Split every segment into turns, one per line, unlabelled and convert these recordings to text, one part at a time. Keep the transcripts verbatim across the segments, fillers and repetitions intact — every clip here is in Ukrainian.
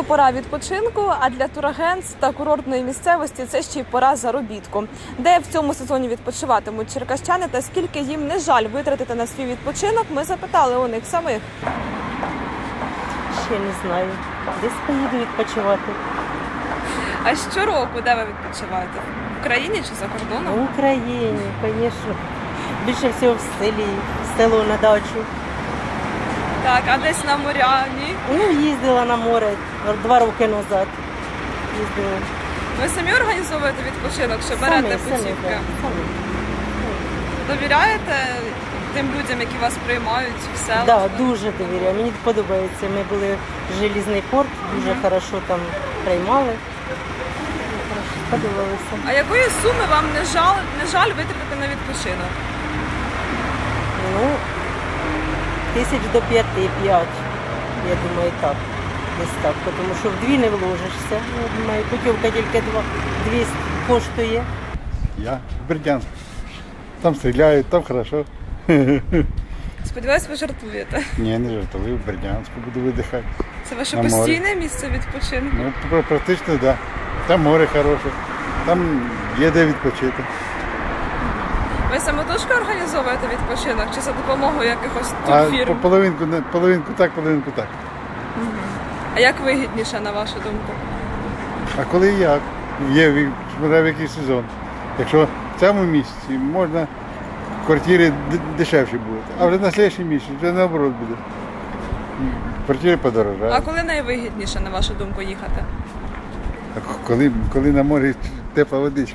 пора відпочинку, а для турагентств та курортної місцевості це ще й пора заробітку. Де в цьому сезоні відпочиватимуть черкащани та скільки їм не жаль витратити на свій відпочинок, ми запитали у них самих.
Ще не знаю. Десь поїду відпочивати.
А щороку де ви відпочиваєте? В Україні чи за кордоном?
В Україні, звісно. Більше всього в селі, в село на дачу.
Так, а десь на моря, ні?
Ну, їздила на море два роки назад. Їздила.
Ви самі організовуєте відпочинок, чи берете
Самі, самі,
путівки?
так, самі.
Довіряєте тим людям, які вас приймають в селах?
Да, дуже довіряю. Мені подобається. Ми були в Желізний порт, дуже хорошо там приймали. Хорошо, подобалося.
А якої суми вам не жаль, не жаль витратити на відпочинок?
Ну, тисяч до п'яти, п'ять. Я думаю, так. Десь так. Тому що вдві не вложишся. Я думаю, путівка тільки два, двісті коштує.
Я в Бердянск. Там стріляють, там хорошо.
Сподіваюсь, ви жартуєте.
Ні, не жартую, в Бердянську буду видихати.
Це ваше
На морі.
постійне місце відпочинку?
Ну, пр- практично, так. Да. Там море хороше, там є де відпочити.
Ви самотужки організовуєте відпочинок чи за допомогою якихось
А
турфірм?
по- половинку, не- половинку так, половинку так.
А як вигідніше, на вашу думку?
А коли як? Є ві- смотря в який сезон. Якщо в цьому місяці можна квартири д- дешевші будуть, а вже на наступний місяць вже наоборот буде. Квартири подорожають.
А коли найвигідніше, на вашу думку, їхати?
А коли, коли на морі тепла водичка.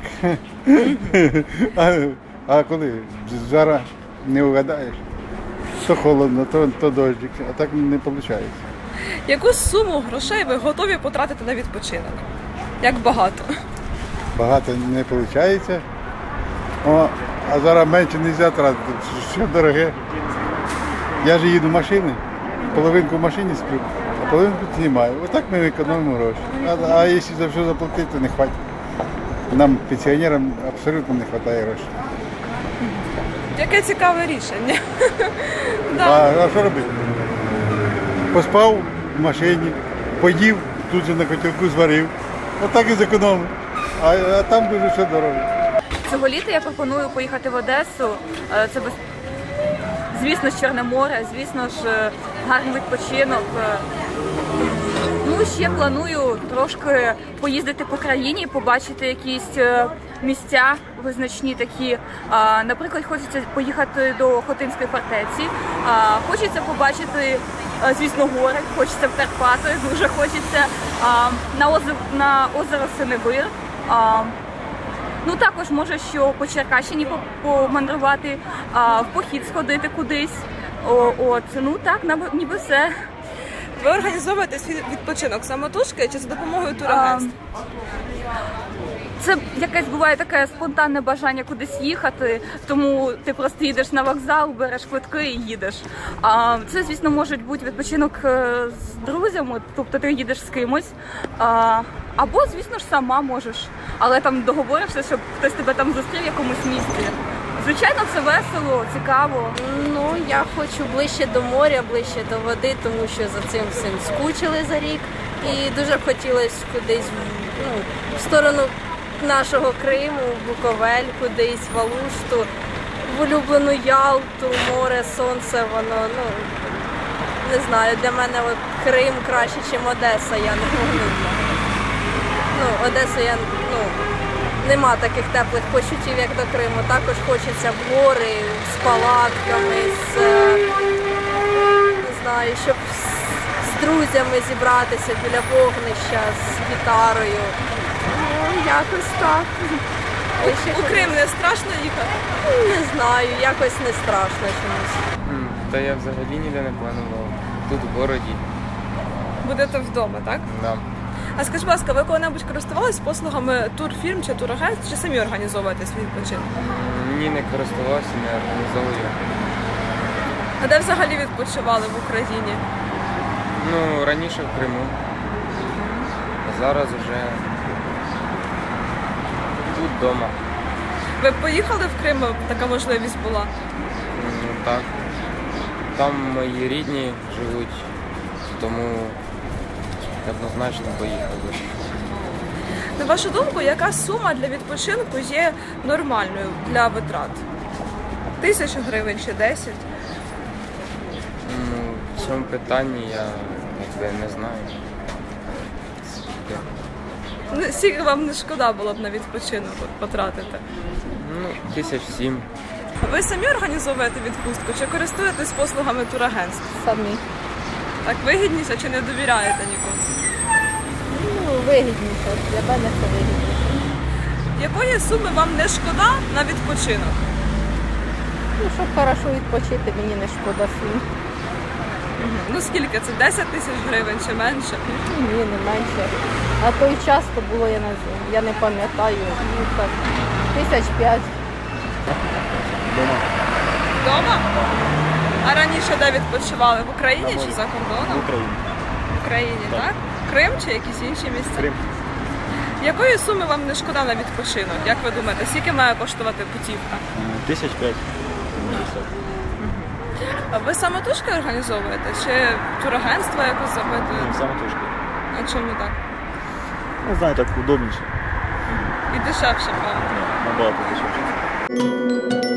а, а коли зараз не угадаєш, то холодно, то, то дощик, а так не виходить.
Яку суму грошей ви готові потратити на відпочинок? Як багато?
Багато не виходить. О, а зараз менше не можна тратити, що дороге. Я ж їду машиною, половинку в машині сплю, а половинку знімаю. Отак ми економимо гроші. А, а якщо за все заплатити, то не вистачить. Нам, пенсіонерам, абсолютно не вистачає грошей.
Яке цікаве рішення.
А,
Да.
а що робити? Поспав в машині, поїв, тут же на котелку зварив. Отак і зекономив. А, а там дуже все дорого.
Цього літа я пропоную поїхати в Одесу. Е, Це без... звісно ж Чорне море, звісно ж е, гарний відпочинок. Е, Ну, ще планую трошки поїздити по країні, побачити якісь е, місця визначні такі. А, Наприклад, хочеться поїхати до Хотинської фортеці, а, хочеться побачити, е, звісно, гори, хочеться в Карпати, дуже хочеться а, на озеро, на озеро Синевир. А, Ну, також може, що по Черкащині по- помандрувати, а, в похід сходити кудись. О, от, ну так, наби- ніби все.
Ви організовуєте свій відпочинок самотужки чи за допомогою турагентств?
Це якесь буває таке спонтанне бажання кудись їхати, тому ти просто їдеш на вокзал, береш квитки і їдеш. А це, звісно, може бути відпочинок е, з друзями, тобто ти їдеш з кимось. А, або, звісно ж, сама можеш, але там договоришся, щоб хтось тебе там зустрів в якомусь місці. Звичайно, це весело, цікаво.
Ну, я хочу ближче до моря, ближче до води, тому що за цим всім скучили за рік. І дуже б хотілося кудись ну, в сторону нашого Криму, в Буковель, кудись, в Алушту, в улюблену Ялту, море, сонце, воно, ну, не знаю, для мене от Крим краще, ніж Одеса, я не можу. Ну, Одесу я, ну, нема таких теплих почуттів, як до Криму. Також хочеться в гори, з палатками, з, е, не знаю, щоб з, з друзями зібратися біля вогнища, з гітарою. Ну, якось так. Ви ще
У Крим не страшно їхати?
Не знаю, якось не страшно чомусь.
М, Та я взагалі ніде не планував. Тут в городі.
Будете вдома, так?
Да.
А скажіть, будь ласка, ви коли-небудь користувались послугами турфірм чи турагентств, чи самі організовуєте свій відпочинок?
М, Ні, не користувався, не організовую.
А де взагалі відпочивали в Україні?
Ну, раніше в Криму. А зараз вже тут вдома.
Ви б поїхали в Крим, така можливість була?
М, Так. Там мої рідні живуть, тому однозначно поїхав би.
На вашу думку, яка сума для відпочинку є нормальною для витрат? Тисячу гривень чи десять?
Ну, в цьому питанні я якби не знаю. Скільки?
Ну, скільки вам не шкода було б на відпочинок от потратити?
Ну, тисяч сім.
Ви самі організовуєте відпустку чи користуєтесь послугами турагентств?
Самі.
Так вигідніше чи не довіряєте нікому?
Ну, вигідніше. Для мене це вигідніше.
Якої суми вам не шкода на відпочинок?
Ну, щоб хорошо відпочити, мені не шкода сум.
Ну скільки це? десять тисяч гривень чи менше?
Ні, не менше. На той час то було, я не, я не пам'ятаю, ну так, тисяч п'ять.
Вдома? А раніше де відпочивали? В Україні чи за кордоном?
В Україні.
В Україні, так? Крим чи якісь інші місця?
Крим.
Якої суми вам не шкода на відпочинок? Як ви думаєте, скільки має коштувати путівка?
Тисяч п'ять.
А ви самотужки організовуєте? Чи турагентство якось запитує?
Самотужки.
А чому так?
Не знаю, так удобніше.
І дешевше, правда?
Набагато дешевше.